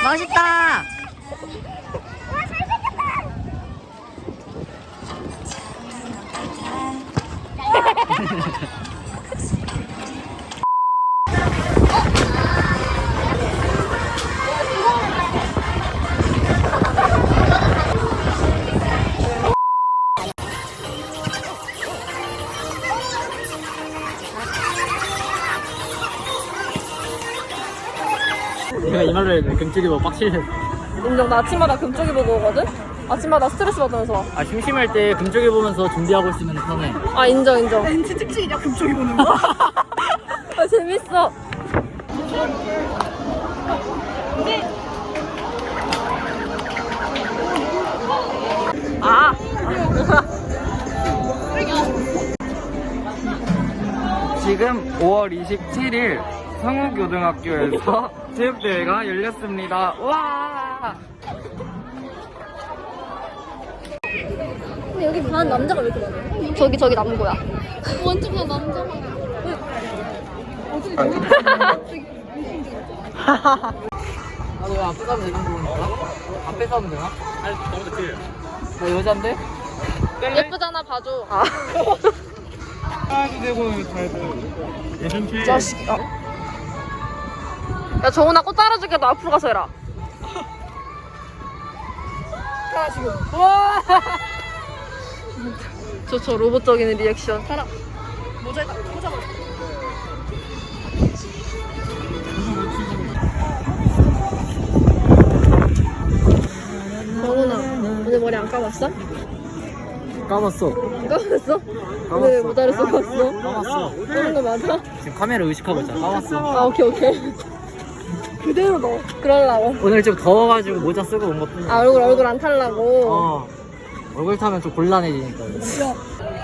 멋있다. 내가 이 말을 했는데 금쪽이 뭐 빡치네. 인정. 나 아침마다 금쪽이 보고 오거든? 아침마다 스트레스 받으면서 와. 아 심심할 때 금쪽이 보면서 준비하고 있으면 편해. 아, 인정. 왠지 특징이냐, 금쪽이 보는 거? 아, 재밌어. 아. 지금 5월 27일 성우고등학교에서 체육대회가 열렸습니다. 와! 근데 여기 반 남자가 왜 이렇게 많아? 저기 남고야. 완전 다 남자가. 나도 왜 앞에 가면 되는 거니까? 앞에 가면 되나? 아니 너무 늦게. 나 여잔데? 예쁘잖아, 봐줘. 아. 하나도 되고 잘 돼. 예전체. 자식아. 야, 정훈아 꽃 따라줄게. 너 앞으로 가서 해라. 와. 저 로봇적인 리액션. 살아. 모자에다 모자 봐. 정훈아, 오늘 머리 안 감았어? 까봤어. 안 감았어? 오늘 왜 모자를 쓰고 왔어? 까봤어. 그런 거 맞아? 지금 카메라 의식하고 있잖아. 까봤어. 아, 오케이. 그대로 넣어. 그러려고. 오늘 좀 더워가지고 모자 쓰고 온 것뿐이야. 아, 얼굴 안 탈라고. 어. 얼굴 타면 좀 곤란해지니까. 이거.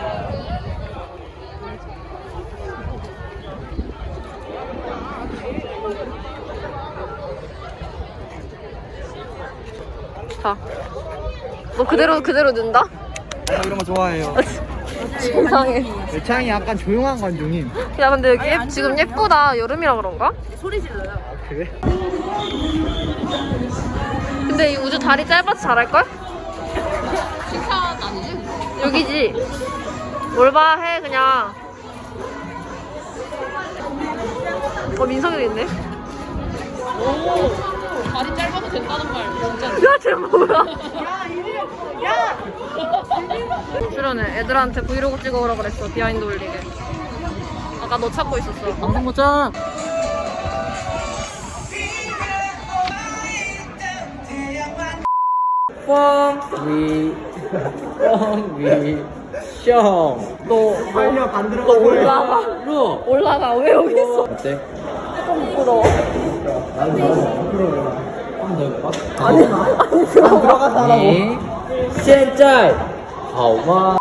자. 너 그대로 넣는다? 이런 거 좋아해요. 세상에. 내 취향이 약간 조용한 관중임. 야, 근데 여기 지금 예쁘다. 여름이라 그런가? 그래? 근데 이 우주 다리 짧아서 잘할걸? 칭찬 아니지? 여기지? 뭘 봐, 해, 그냥. 민석이도 있네. 오, 다리 짧아도 된다는 말, 진짜. 야, 쟤 뭐야? 야! 출연해. 애들한테 브이로그 찍어오라 그랬어, 비하인드 올리게. 아까 너 찾고 있었어. 방송 보자. 뻥위 뻥위 너 빨려 반대로 너 올라가. 로 올라가. 왜 여기 있어? 어때? 조금 부끄러워. 한번 더 해볼까? 아니, 들어가. 你现在好吗？